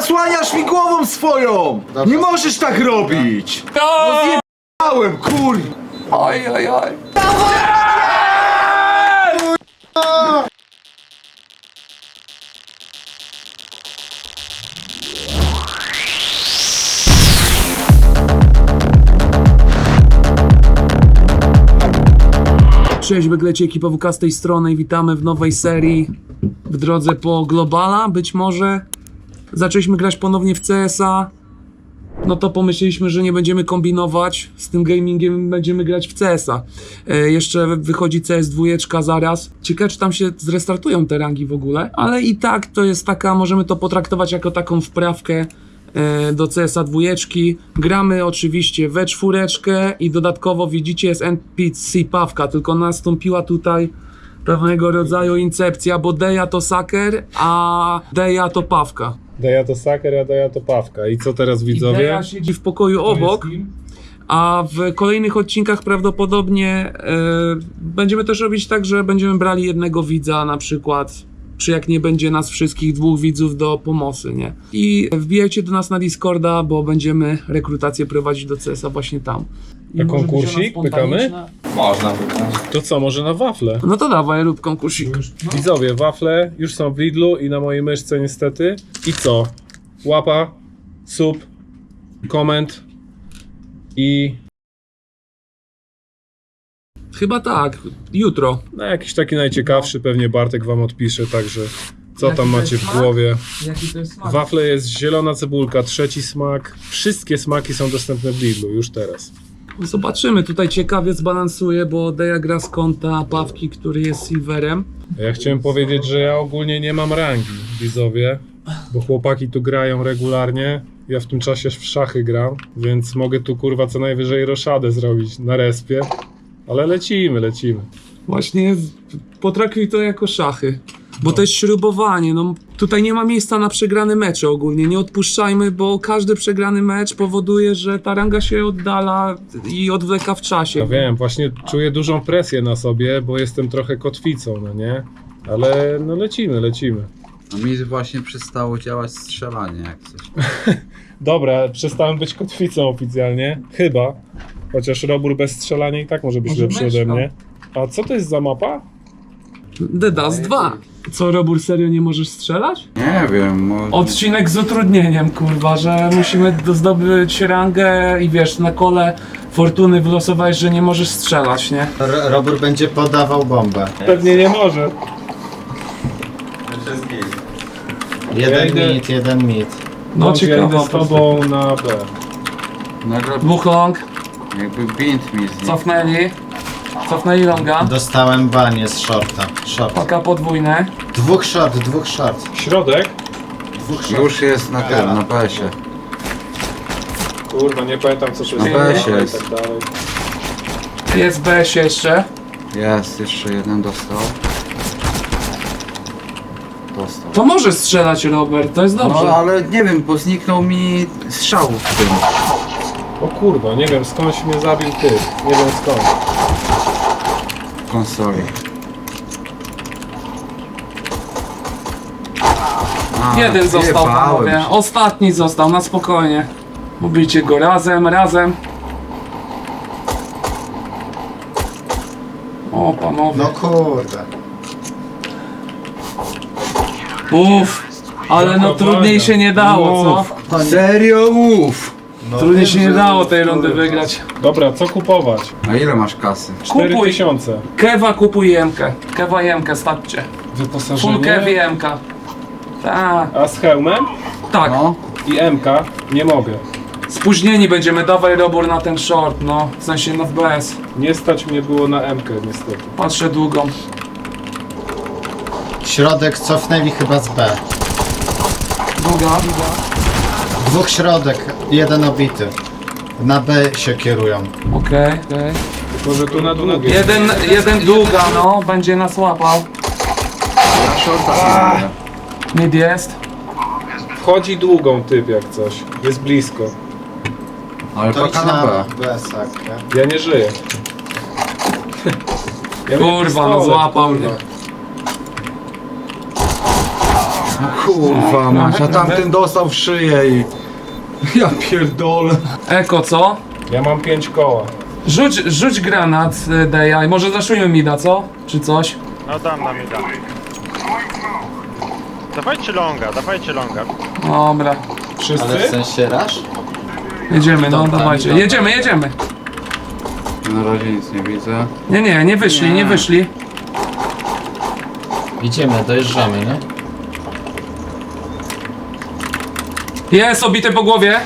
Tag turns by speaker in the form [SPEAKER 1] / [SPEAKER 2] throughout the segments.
[SPEAKER 1] zasłaniasz mi głową swoją! Nie możesz tak robić! No zjebałem, kur...
[SPEAKER 2] Oj, oj, oj.
[SPEAKER 3] Cześć, wyglecie ekipa WK z tej strony i witamy w nowej serii w drodze po Globala. Być może zaczęliśmy grać ponownie w CS-a, no to pomyśleliśmy, że nie będziemy kombinować z tym gamingiem, będziemy grać w CS-a. Jeszcze wychodzi CS2 zaraz. Ciekawe, czy tam się zrestartują te rangi w ogóle, ale i tak to jest taka, możemy to potraktować jako taką wprawkę do CS-a 2. Gramy oczywiście we 4 i dodatkowo widzicie jest NPC Pawka, tylko nastąpiła tutaj pewnego rodzaju incepcja, bo Deja to Saker, a Deja to Pawka.
[SPEAKER 4] Deja to Saker, a Deja to Pawka. I co teraz, widzowie?
[SPEAKER 3] Deja siedzi w pokoju obok, a w kolejnych odcinkach prawdopodobnie będziemy też robić tak, że będziemy brali jednego widza na przykład, czy jak nie będzie nas wszystkich, 2 widzów do pomocy, nie? I wbijajcie do nas na Discorda, bo będziemy rekrutację prowadzić do CS-a właśnie tam. I
[SPEAKER 4] A
[SPEAKER 3] może być
[SPEAKER 4] konkursik?
[SPEAKER 3] ona
[SPEAKER 4] Pykamy?
[SPEAKER 3] spontaniczna.
[SPEAKER 2] Można wygrać.
[SPEAKER 4] To co, może na wafle?
[SPEAKER 3] No to dawaj, rób konkursik.
[SPEAKER 4] Widzowie, wafle już są w Lidlu i na mojej myszce niestety. I co? Łapa, sub, koment i
[SPEAKER 3] Chyba tak, jutro.
[SPEAKER 4] no, jakiś taki najciekawszy pewnie Bartek wam odpisze, także co
[SPEAKER 3] Jaki
[SPEAKER 4] tam
[SPEAKER 3] to
[SPEAKER 4] macie
[SPEAKER 3] jest
[SPEAKER 4] w
[SPEAKER 3] smak?
[SPEAKER 4] głowie.
[SPEAKER 3] Jaki to jest smak?
[SPEAKER 4] Wafle jest zielona cebulka, 3. smak. Wszystkie smaki są dostępne w Lidlu już teraz.
[SPEAKER 3] Zobaczymy, tutaj ciekawie zbalansuje, bo Deja gra z konta Pawki, który jest silverem.
[SPEAKER 4] Ja chciałem powiedzieć, że ja ogólnie nie mam rangi, widzowie, bo chłopaki tu grają regularnie. Ja w tym czasie w szachy gram, więc mogę tu kurwa co najwyżej roszadę zrobić na respie. Ale lecimy.
[SPEAKER 3] Właśnie potraktuj to jako szachy. Bo to jest śrubowanie, no tutaj nie ma miejsca na przegrane mecze ogólnie, nie odpuszczajmy, bo każdy przegrany mecz powoduje, że ta ranga się oddala i odwleka w czasie.
[SPEAKER 4] Ja wiem, właśnie czuję dużą presję na sobie, bo jestem trochę kotwicą, no nie? Ale no lecimy.
[SPEAKER 2] A mi właśnie przestało działać strzelanie jak coś.
[SPEAKER 4] Dobra, przestałem być kotwicą oficjalnie, chyba. Chociaż Robur bez strzelania i tak może być
[SPEAKER 3] Może
[SPEAKER 4] lepszy
[SPEAKER 3] być,
[SPEAKER 4] ode
[SPEAKER 3] no.
[SPEAKER 4] mnie. A co to jest za mapa?
[SPEAKER 3] The Dust 2. Co, Robur, serio nie możesz strzelać?
[SPEAKER 2] Nie wiem, może...
[SPEAKER 3] Odcinek z utrudnieniem, kurwa, że musimy zdobyć rangę i wiesz, na kole fortuny wylosowałeś, że nie możesz strzelać, nie?
[SPEAKER 5] Robur będzie podawał bombę.
[SPEAKER 4] Pewnie nie może.
[SPEAKER 5] Jeden mit.
[SPEAKER 3] No
[SPEAKER 4] Ja idę
[SPEAKER 3] ciekawe.
[SPEAKER 4] z tobą na B.
[SPEAKER 2] Nagle
[SPEAKER 3] 2 long,
[SPEAKER 2] jakby bint mi znikł.
[SPEAKER 3] cofnęli longa,
[SPEAKER 5] Dostałem banie z shorta. Short.
[SPEAKER 3] paka podwójne.
[SPEAKER 5] Dwóch short.
[SPEAKER 4] Środek?
[SPEAKER 2] Już jest na tym, na PS-ie.
[SPEAKER 4] Kurwa, nie pamiętam co się
[SPEAKER 2] Na
[SPEAKER 4] stało
[SPEAKER 2] BS-ie
[SPEAKER 4] i
[SPEAKER 2] jest.
[SPEAKER 4] tak dalej.
[SPEAKER 3] Jest BS jeszcze.
[SPEAKER 2] Jest, jeszcze jeden dostał. Dostał.
[SPEAKER 3] To może strzelać, Robert, to jest dobrze.
[SPEAKER 2] No ale nie wiem, bo zniknął mi strzał w tym.
[SPEAKER 4] O kurwa, nie wiem skądś mnie zabił ty. Nie wiem skąd.
[SPEAKER 2] W konsoli. A,
[SPEAKER 3] Jeden został,
[SPEAKER 2] zjebałem
[SPEAKER 3] panowie.
[SPEAKER 2] się.
[SPEAKER 3] Ostatni został, na spokojnie. Ubijcie go razem. O, panowie.
[SPEAKER 5] No kurde.
[SPEAKER 3] Uff. Ale no trudniej się nie dało, co?
[SPEAKER 2] Serio mów!
[SPEAKER 5] No,
[SPEAKER 3] Trudniej
[SPEAKER 5] wiem,
[SPEAKER 3] się nie
[SPEAKER 5] że-
[SPEAKER 3] dało tej rundy wygrać.
[SPEAKER 4] Dobra, co kupować?
[SPEAKER 2] A ile masz kasy?
[SPEAKER 4] 4000.
[SPEAKER 3] Kewa kupuj jemkę. Kewa jemkę, stawcie. Full
[SPEAKER 4] Wyposażenie.
[SPEAKER 3] kew i MK. Tak,
[SPEAKER 4] A z hełmem?
[SPEAKER 3] tak.
[SPEAKER 2] No,
[SPEAKER 4] I MK? Nie mogę.
[SPEAKER 3] Spóźnieni będziemy, dawaj Robur na ten short, no. W sensie na BS.
[SPEAKER 4] Nie stać mnie było na MK niestety.
[SPEAKER 3] Patrzę długą.
[SPEAKER 5] Środek cofnęli chyba z B.
[SPEAKER 3] Długa.
[SPEAKER 5] Dwóch środek, jeden obity. Na B się kierują.
[SPEAKER 3] Okej.
[SPEAKER 4] Tylko, że tu na długie.
[SPEAKER 3] Jeden długa, no. Będzie nas łapał.
[SPEAKER 2] ja shorta filmuję.
[SPEAKER 3] Mid jest.
[SPEAKER 4] Wchodzi długą typ jak coś. Jest blisko.
[SPEAKER 2] Ale
[SPEAKER 5] To idź
[SPEAKER 2] paka na B.
[SPEAKER 5] B, sakę.
[SPEAKER 4] Ja nie żyję. Ja miałem
[SPEAKER 3] Kurwa, no
[SPEAKER 4] pistolet,
[SPEAKER 3] złapał
[SPEAKER 4] kurwa.
[SPEAKER 3] mnie.
[SPEAKER 2] No
[SPEAKER 1] Kurwa mać, a tamten dostał w szyję i... Ja pierdolę.
[SPEAKER 3] Eko, co?
[SPEAKER 4] Ja mam 5 koła.
[SPEAKER 3] Rzuć granat, Deja, i może zaszujmy mida, co? Czy coś?
[SPEAKER 6] No dam na mida. Dawajcie longa, dawajcie longa.
[SPEAKER 3] Dobra.
[SPEAKER 4] Wszyscy?
[SPEAKER 2] Ale w sensie rasz?
[SPEAKER 3] Jedziemy, no
[SPEAKER 2] Dobra,
[SPEAKER 3] dawajcie.
[SPEAKER 2] dobra.
[SPEAKER 3] Jedziemy.
[SPEAKER 2] Na razie nic nie widzę.
[SPEAKER 3] Nie wyszli, nie wyszli.
[SPEAKER 5] Idziemy, dojeżdżamy, nie?
[SPEAKER 3] Jest obity po głowie.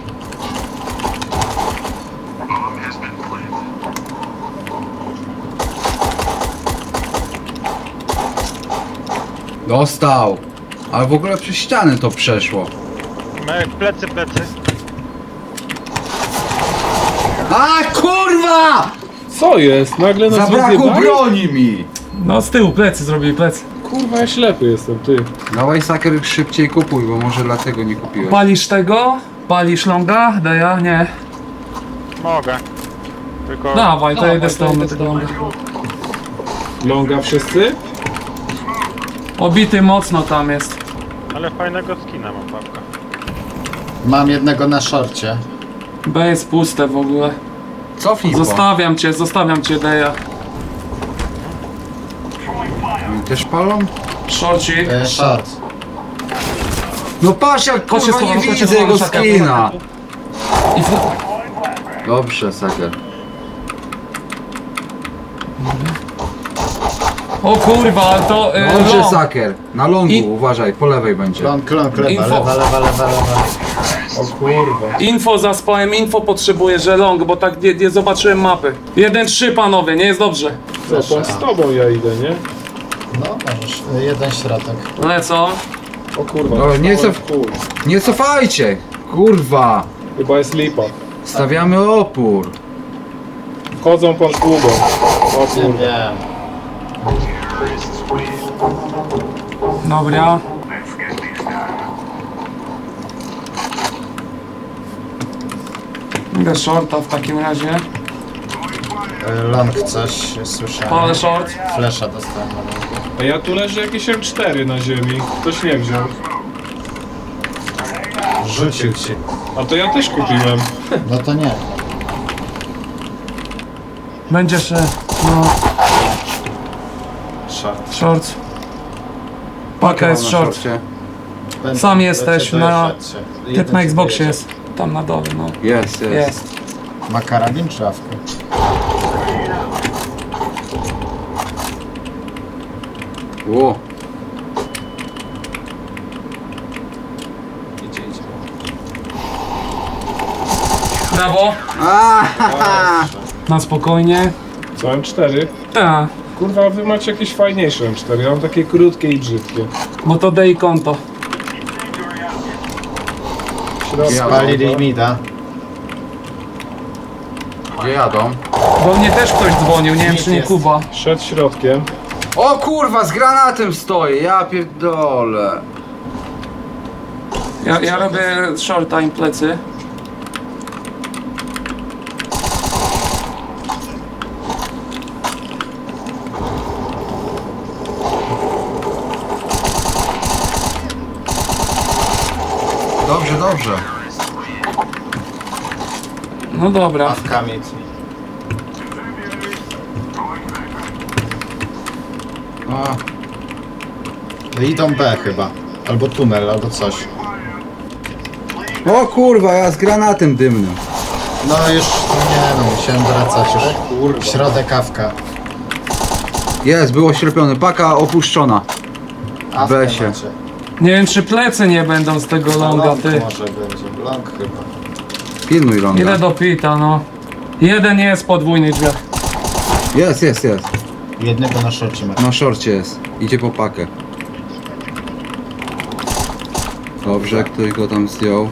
[SPEAKER 2] Dostał! Ale w ogóle przez ścianę to przeszło.
[SPEAKER 6] Plecy.
[SPEAKER 1] A kurwa!
[SPEAKER 4] Co jest? Nagle nas
[SPEAKER 1] Zabrakło
[SPEAKER 4] rozjebali?
[SPEAKER 1] broni mi!
[SPEAKER 3] No z tyłu, plecy zrobili, plecy.
[SPEAKER 4] Kurwa, ja ślepy jestem, ty.
[SPEAKER 2] Dawaj saker szybciej kupuj, bo może dlatego nie kupiłeś.
[SPEAKER 3] Palisz tego? Palisz longa? Deja? Nie.
[SPEAKER 6] Mogę. Tylko...
[SPEAKER 3] Dawaj, to jedę z tobą tego longa.
[SPEAKER 4] Longa wszyscy?
[SPEAKER 3] Obity mocno tam jest.
[SPEAKER 6] Ale fajnego skina mam, babka.
[SPEAKER 5] Mam jednego na szorcie.
[SPEAKER 3] B jest puste w ogóle.
[SPEAKER 2] Cofnij go.
[SPEAKER 3] Zostawiam cię, Deja.
[SPEAKER 2] Oni też palą?
[SPEAKER 3] Shorci.
[SPEAKER 5] Short.
[SPEAKER 2] No patrz jak
[SPEAKER 3] Chodź się
[SPEAKER 2] kurwa nie
[SPEAKER 3] schowam, chodź się
[SPEAKER 2] widzę
[SPEAKER 3] schowam,
[SPEAKER 2] jego
[SPEAKER 3] szaka,
[SPEAKER 2] skina.
[SPEAKER 3] I
[SPEAKER 2] Dobrze, saker.
[SPEAKER 3] O kurwa, ale to...
[SPEAKER 2] Dobrze,
[SPEAKER 3] long.
[SPEAKER 2] saker. Na longu,
[SPEAKER 3] I-
[SPEAKER 2] uważaj, po lewej będzie.
[SPEAKER 5] Klon, lewa,
[SPEAKER 3] Info.
[SPEAKER 5] lewa.
[SPEAKER 4] O kurwa.
[SPEAKER 3] Info zaspałem, info potrzebuję, że long, bo tak nie zobaczyłem mapy. 1-3 panowie, nie jest dobrze.
[SPEAKER 4] Co, pan z tobą ja idę, nie?
[SPEAKER 5] No, możesz. Jeden środek.
[SPEAKER 3] Lecą.
[SPEAKER 4] O kurwa.
[SPEAKER 2] No, nie
[SPEAKER 4] dostałem
[SPEAKER 2] cof-
[SPEAKER 4] w chuj.
[SPEAKER 2] Nie cofajcie! Kurwa!
[SPEAKER 4] Chyba jest lipa.
[SPEAKER 2] Stawiamy opór.
[SPEAKER 4] Chodzą pan długo. O kurwa.
[SPEAKER 5] Wiem.
[SPEAKER 3] Dobra. Idę shorta w takim razie.
[SPEAKER 5] Long coś słyszałem.
[SPEAKER 3] Palę short.
[SPEAKER 5] Flesza dostałem.
[SPEAKER 4] A ja tu leży jakieś M4 na ziemi. Ktoś nie wziął.
[SPEAKER 5] Rzucił ci.
[SPEAKER 4] A to ja też kupiłem.
[SPEAKER 5] No to nie.
[SPEAKER 3] Będzie się... No,
[SPEAKER 5] Short.
[SPEAKER 3] short. Paka jest
[SPEAKER 2] Na
[SPEAKER 3] short.
[SPEAKER 2] szorcie.
[SPEAKER 3] Sam jesteś na...
[SPEAKER 5] Jeden
[SPEAKER 3] Typ na
[SPEAKER 5] ci
[SPEAKER 3] Xboxie
[SPEAKER 5] dojedzie.
[SPEAKER 3] jest. Tam na dole, no.
[SPEAKER 2] Jest.
[SPEAKER 3] Jest.
[SPEAKER 5] Ma karabin czy awkę?
[SPEAKER 2] Ło.
[SPEAKER 3] Brawo. Na spokojnie.
[SPEAKER 4] Co M4?
[SPEAKER 3] Tak.
[SPEAKER 4] Kurwa, wy macie jakieś fajniejsze M4. Ja mam takie krótkie i brzydkie.
[SPEAKER 3] Bo to dej konto.
[SPEAKER 4] Środka.
[SPEAKER 5] Spalili mida.
[SPEAKER 2] Gdzie jadą?
[SPEAKER 3] Do mnie też ktoś dzwonił, nie wiem czy nie
[SPEAKER 5] jest.
[SPEAKER 3] Kuba.
[SPEAKER 4] Szedł środkiem.
[SPEAKER 2] O kurwa, z granatem stoję, ja pierdolę.
[SPEAKER 3] Ja robię shorta im plecy.
[SPEAKER 2] Dobrze.
[SPEAKER 3] No dobra.
[SPEAKER 5] Awka mid.
[SPEAKER 2] A,
[SPEAKER 5] Idą B chyba. Albo tunel, albo coś.
[SPEAKER 2] o kurwa, ja z granatem dymnym.
[SPEAKER 5] No już nie no, musiałem wracać już. Środek awka.
[SPEAKER 2] Jest, było ślepione, paka opuszczona.
[SPEAKER 5] Awkę
[SPEAKER 2] Wesie.
[SPEAKER 5] macie.
[SPEAKER 3] Nie wiem czy plecy nie będą z tego longa,
[SPEAKER 5] Long
[SPEAKER 3] ty.
[SPEAKER 5] może będzie. Long chyba.
[SPEAKER 2] Pilnuj longa.
[SPEAKER 3] Ile do pita, no. Jeden jest podwójny drzwiach.
[SPEAKER 2] Jest.
[SPEAKER 5] Jednego na szorcie macie.
[SPEAKER 2] Na szorcie jest. Idzie po pakę. Dobrze, ktoś go tam zdjął.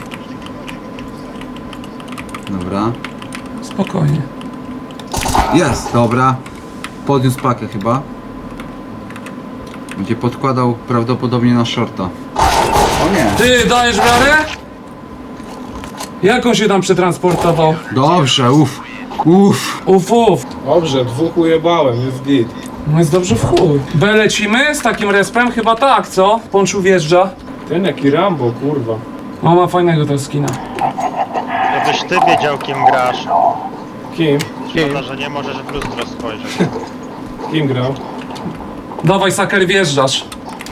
[SPEAKER 2] Dobra.
[SPEAKER 3] Spokojnie.
[SPEAKER 2] Jest, dobra. Podniósł pakę chyba. Będzie podkładał prawdopodobnie na shorta. O nie.
[SPEAKER 3] Ty, dajesz radę? Jak on się tam przetransportował?
[SPEAKER 2] Dobrze, uff.
[SPEAKER 3] Uf.
[SPEAKER 4] Dobrze, dwóch ujebałem, jest git.
[SPEAKER 3] No jest dobrze w chuj. B lecimy z takim respem? Chyba tak, co? Ponczu wjeżdża.
[SPEAKER 4] Ten jaki Rambo, kurwa.
[SPEAKER 3] No ma fajnego tego skina.
[SPEAKER 6] Żebyś ty wiedział, kim grasz.
[SPEAKER 4] Kim?
[SPEAKER 6] Szkoda, że nie możesz w lustro spojrzeć.
[SPEAKER 4] Kim grał?
[SPEAKER 3] Dawaj, Saker, wjeżdżasz.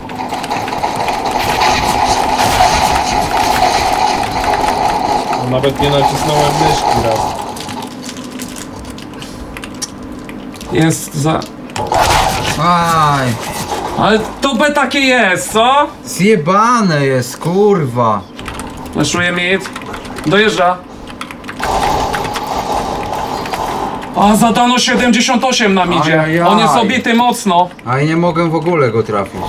[SPEAKER 4] No, nawet nie nacisnąłem myszki raz.
[SPEAKER 3] Jest za...
[SPEAKER 2] Aj,
[SPEAKER 3] Ale to B takie jest, co?
[SPEAKER 2] zjebane jest, kurwa.
[SPEAKER 3] Fleszuje mid. Dojeżdża. A zadano 78 nam idzie.
[SPEAKER 2] Ajajaj.
[SPEAKER 3] On jest obity mocno.
[SPEAKER 2] A i nie mogę w ogóle go trafić.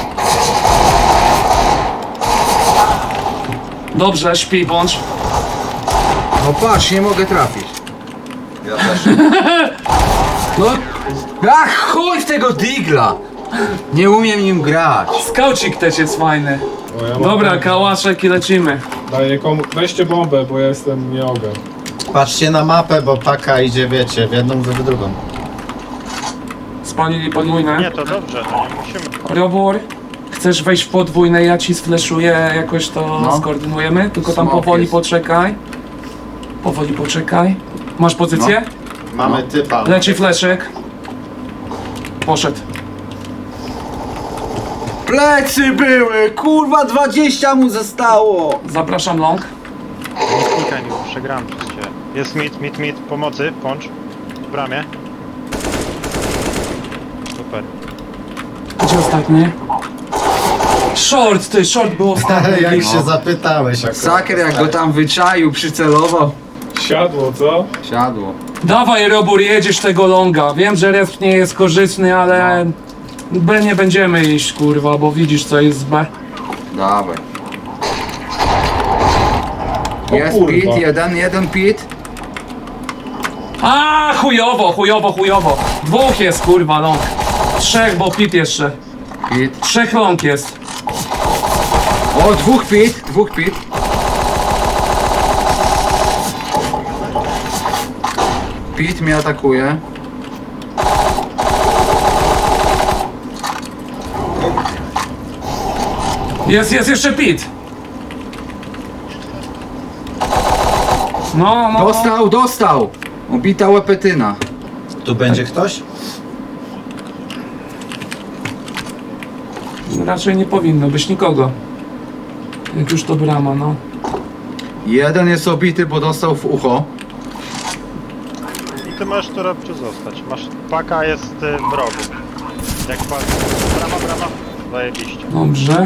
[SPEAKER 3] Dobrze, śpi bądź.
[SPEAKER 2] No patrz, nie mogę trafić.
[SPEAKER 1] Ja też.
[SPEAKER 2] No, ach, chuj w tego digla. Nie umiem nim grać.
[SPEAKER 3] Skaucik też jest fajny.
[SPEAKER 4] O, ja mam
[SPEAKER 3] Dobra,
[SPEAKER 4] bombę.
[SPEAKER 3] kałaszek i lecimy.
[SPEAKER 4] Daję komu... Weźcie bombę, bo ja jestem nieogar.
[SPEAKER 5] Patrzcie na mapę, bo paka idzie, wiecie, w jedną, w drugą.
[SPEAKER 3] Spalili podwójne.
[SPEAKER 6] Nie, to dobrze, to nie musimy.
[SPEAKER 3] Robór, chcesz wejść w podwójne, ja ci sfleszuję, jakoś to
[SPEAKER 2] No.
[SPEAKER 3] skoordynujemy. Tylko tam
[SPEAKER 2] Smok
[SPEAKER 3] powoli
[SPEAKER 2] jest.
[SPEAKER 3] poczekaj. Powoli poczekaj. Masz pozycję?
[SPEAKER 5] Mamy typa.
[SPEAKER 3] Leci fleszek. Poszedł.
[SPEAKER 2] Plecy były, kurwa 20 mu zostało.
[SPEAKER 3] Zapraszam long.
[SPEAKER 6] Nie klikaj mi, bo przegram przez ciebie. Jest mid, pomocy, pącz. W bramie. Super.
[SPEAKER 3] Gdzie ostatni? Short, ty, short był ostatni.
[SPEAKER 5] Jak się zapytałeś akurat.
[SPEAKER 2] Saker jak go tam wyczaił, przycelował.
[SPEAKER 4] Siadło, co?
[SPEAKER 2] Siadło.
[SPEAKER 3] Dawaj Robór, jedziesz tego longa. Wiem, że resp nie jest korzystny, ale B nie będziemy iść, kurwa, bo widzisz co jest z B.
[SPEAKER 2] Dawaj.
[SPEAKER 4] O
[SPEAKER 2] Jest
[SPEAKER 4] kurwa.
[SPEAKER 2] pit, jeden pit.
[SPEAKER 3] A, chujowo. Dwóch jest, kurwa, long. Trzech, bo pit jeszcze.
[SPEAKER 2] Pit.
[SPEAKER 3] Trzech long jest.
[SPEAKER 2] O, dwóch pit. Pit mnie atakuje.
[SPEAKER 3] Jest jeszcze pit. No.
[SPEAKER 2] Dostał. Ubita łepetyna.
[SPEAKER 5] Tu będzie ktoś?
[SPEAKER 3] Raczej nie powinno być nikogo. Jak już to brama, no.
[SPEAKER 2] Jeden jest obity, bo dostał w ucho.
[SPEAKER 6] I ty możesz tu Robciu zostać. Paka jest w rogu. Jak pan... Brama. Zajebiście.
[SPEAKER 3] Dobrze.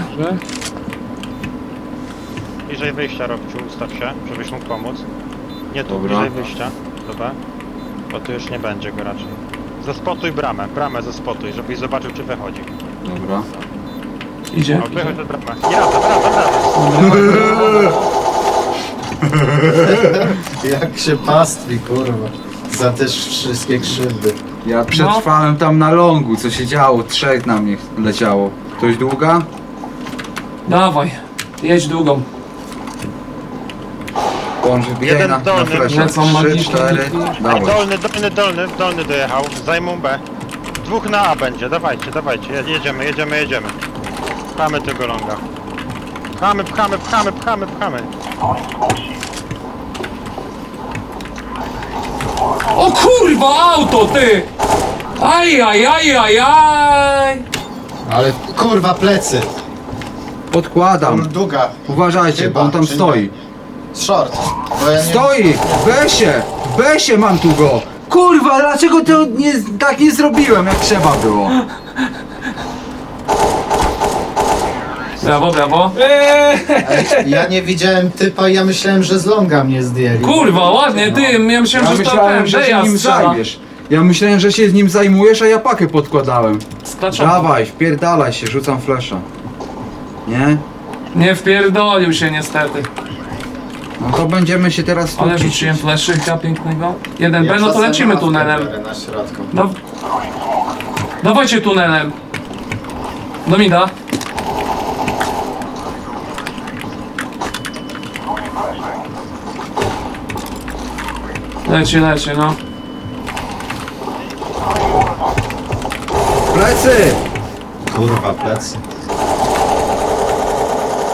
[SPEAKER 6] Bliżej wyjścia, Robciu, ustaw się, żebyś mógł pomóc. Nie tu,
[SPEAKER 2] Dobra.
[SPEAKER 6] bliżej wyjścia. Dobra. Bo tu już nie będzie go raczej. Zaspotuj bramę zaspotuj, żebyś zobaczył, czy wychodzi.
[SPEAKER 2] Dobra.
[SPEAKER 3] Idzie.
[SPEAKER 6] O, wychodź do bramy. Ja, dobra.
[SPEAKER 5] Jak się pastwi, kurwa. Za też wszystkie krzywdy.
[SPEAKER 2] Ja przetrwałem tam na longu, co się działo. Trzech na mnie leciało. Ktoś długa?
[SPEAKER 3] Dawaj. Jedź długą.
[SPEAKER 2] Bądź wbijaj
[SPEAKER 6] Jeden
[SPEAKER 2] na
[SPEAKER 6] dolny.
[SPEAKER 2] flasha.
[SPEAKER 3] Lecą
[SPEAKER 2] 3,
[SPEAKER 3] magiki.
[SPEAKER 2] 4. Dawaj.
[SPEAKER 6] Dolny dojechał. Zajmą B. Dwóch na A będzie, dawajcie. Jedziemy. Pchamy tego longa. Pchamy.
[SPEAKER 3] O kurwa, auto, ty! Aj.
[SPEAKER 5] Ale kurwa, plecy.
[SPEAKER 2] Podkładam.
[SPEAKER 5] Długa.
[SPEAKER 2] Uważajcie, bo on tam
[SPEAKER 5] czy nie?
[SPEAKER 2] stoi.
[SPEAKER 5] Short. Bo ja nie...
[SPEAKER 2] Stoi! W Besie mam tu go! Kurwa, dlaczego to tak nie zrobiłem, jak trzeba było?
[SPEAKER 3] Brawo.
[SPEAKER 5] Ja nie widziałem typa i ja myślałem, że z longa mnie zdjęli.
[SPEAKER 3] Kurwa, ładnie, ty, ja myślałem,
[SPEAKER 2] Ja
[SPEAKER 3] że
[SPEAKER 2] myślałem, że się nim zajmiesz. Ja myślałem, że się z nim zajmujesz, a ja pakę podkładałem. Dawaj, wpierdalaj się, rzucam flesza. Nie?
[SPEAKER 3] Nie wpierdolił się niestety.
[SPEAKER 2] No to będziemy się teraz tu
[SPEAKER 3] Ale
[SPEAKER 2] kłócić.
[SPEAKER 3] rzuciłem fleszyka pięknego. 1B, no to
[SPEAKER 5] czasem
[SPEAKER 3] lecimy
[SPEAKER 5] ławkę
[SPEAKER 3] tunelem.
[SPEAKER 5] biorę na środku.
[SPEAKER 3] Dawajcie tunelem. Do mida. Leci, no.
[SPEAKER 2] Plecy!
[SPEAKER 5] Kurwa, plecy.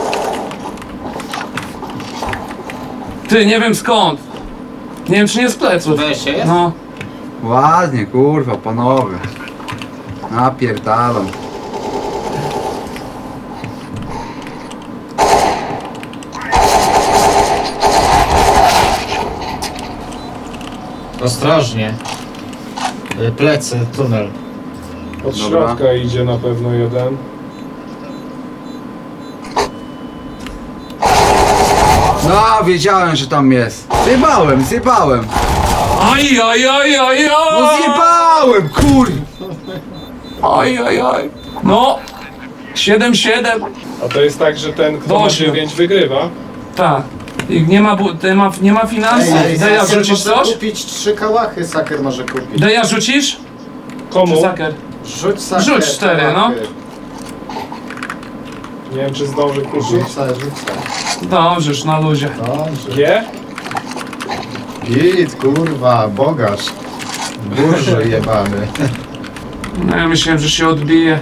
[SPEAKER 3] Ty, nie wiem skąd. Nie wiem, czy nie z pleców.
[SPEAKER 5] Weź się jest?
[SPEAKER 3] No.
[SPEAKER 2] Ładnie, kurwa, panowie. Napierdalam.
[SPEAKER 5] Ostrożnie. Plecy, tunel.
[SPEAKER 4] Od
[SPEAKER 2] Dobra.
[SPEAKER 4] środka idzie na pewno jeden.
[SPEAKER 2] No, wiedziałem, że tam jest. Zjebałem.
[SPEAKER 3] Aj.
[SPEAKER 2] No zjebałem, kurwa.
[SPEAKER 3] Aj. No. 7-7.
[SPEAKER 4] A to jest tak, że ten, kto ma
[SPEAKER 3] Ośmiu.
[SPEAKER 4] 9 wygrywa.
[SPEAKER 3] Tak. I nie ma finansów. Deja,
[SPEAKER 5] Saker
[SPEAKER 3] rzucisz
[SPEAKER 5] może
[SPEAKER 3] coś?
[SPEAKER 5] kupić 3 kałachy, Saker może kupić.
[SPEAKER 3] Deja, rzucisz?
[SPEAKER 4] Komu?
[SPEAKER 3] Czy Saker?
[SPEAKER 5] Rzuć Saker.
[SPEAKER 3] Rzuć 4, no.
[SPEAKER 5] kałachy.
[SPEAKER 4] Nie wiem, czy zdąży kupić.
[SPEAKER 5] Rzucaj.
[SPEAKER 3] Dobrze, na luzie.
[SPEAKER 5] Dobrze.
[SPEAKER 4] G?
[SPEAKER 5] Git, kurwa, bogaż. Burżo jebany.
[SPEAKER 3] No ja myślałem, że się odbije.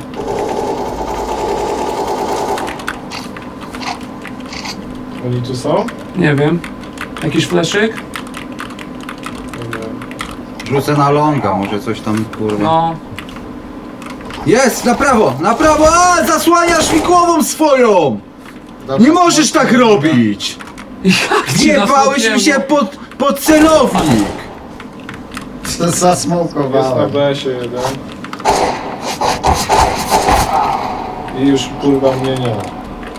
[SPEAKER 4] Oni tu są?
[SPEAKER 3] Nie wiem. Jakiś fleszyk?
[SPEAKER 2] Rzucę na longa, może coś tam, kurwa.
[SPEAKER 3] No.
[SPEAKER 2] Jest, na prawo! A, zasłaniasz mi głową swoją!
[SPEAKER 5] Dobra,
[SPEAKER 2] Nie możesz tak robić!
[SPEAKER 3] Jak ci
[SPEAKER 2] Zjebałeś mi się pod celownik!
[SPEAKER 5] To
[SPEAKER 4] Jest na
[SPEAKER 5] zasmokowałem.
[SPEAKER 4] BS-ie jeden. I już kurwa mnie nie ma.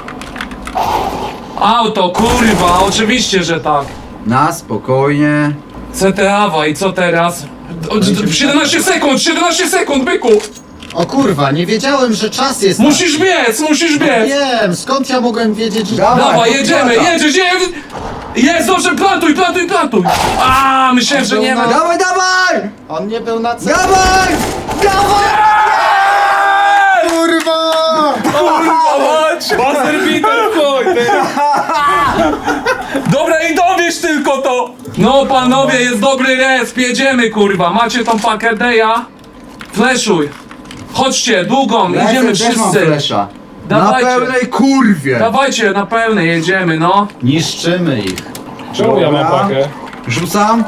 [SPEAKER 3] Auto, kurwa, oczywiście, że tak.
[SPEAKER 2] Na spokojnie.
[SPEAKER 3] CTA, i co teraz? 17 sekund, byku!
[SPEAKER 5] O kurwa, nie wiedziałem, że czas jest.
[SPEAKER 3] Musisz biec!
[SPEAKER 5] Wiem, skąd ja mogłem wiedzieć, że...
[SPEAKER 3] Dawaj, jedziemy! Jest, dobrze, plantuj! A, myślałem, że nie ma.
[SPEAKER 2] Dawaj!
[SPEAKER 5] On nie był na celu.
[SPEAKER 2] Dawaj!
[SPEAKER 5] Kurwa!
[SPEAKER 3] Buzzer beater Dobra, i dowieź tylko to! No panowie, jest dobry resp, jedziemy kurwa. Macie tą pakę Deja? Flashuj. Chodźcie, długą, idziemy
[SPEAKER 2] Też mam
[SPEAKER 3] wszyscy.
[SPEAKER 2] flesza. Na
[SPEAKER 3] Dawajcie.
[SPEAKER 2] pełnej kurwie!
[SPEAKER 3] Dawajcie, na pełnej jedziemy, no.
[SPEAKER 5] Niszczymy ich.
[SPEAKER 4] Czemu ja mam
[SPEAKER 2] Dobra.
[SPEAKER 4] pakę?
[SPEAKER 2] Rzucam.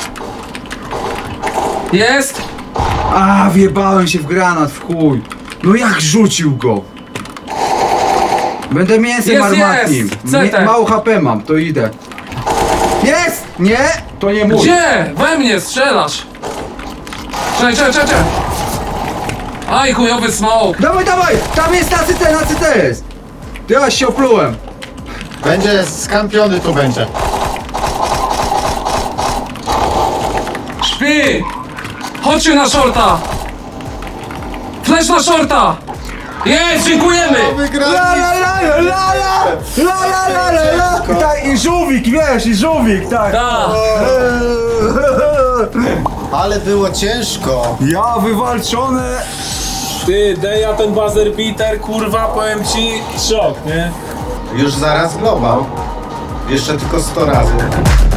[SPEAKER 3] Jest?
[SPEAKER 2] A, wjebałem się w granat, w chuj. No jak rzucił go? Będę mięsem
[SPEAKER 3] Jest,
[SPEAKER 2] armatnim.
[SPEAKER 3] jest. CT.
[SPEAKER 2] Mało HP mam, to idę. Jest! Nie! To nie mój.
[SPEAKER 3] Gdzie? We mnie strzelasz. Czekaj. Aj, chujowy smoke.
[SPEAKER 2] Dawaj! Tam jest na CT jest! Ty, ja się oplułem.
[SPEAKER 5] Będzie skampiony, tu będzie.
[SPEAKER 3] Śpi! Chodźcie na shorta! Flash na shorta! Jest, dziękujemy!
[SPEAKER 1] Tak, i żółwik, wiesz, tak.
[SPEAKER 3] Da.
[SPEAKER 5] Ale było ciężko.
[SPEAKER 1] Ja wywalczone.
[SPEAKER 4] Ty, Deja, ten buzzer beater, kurwa, powiem ci, szok, nie?
[SPEAKER 5] Już zaraz global. Jeszcze tylko 100 razy.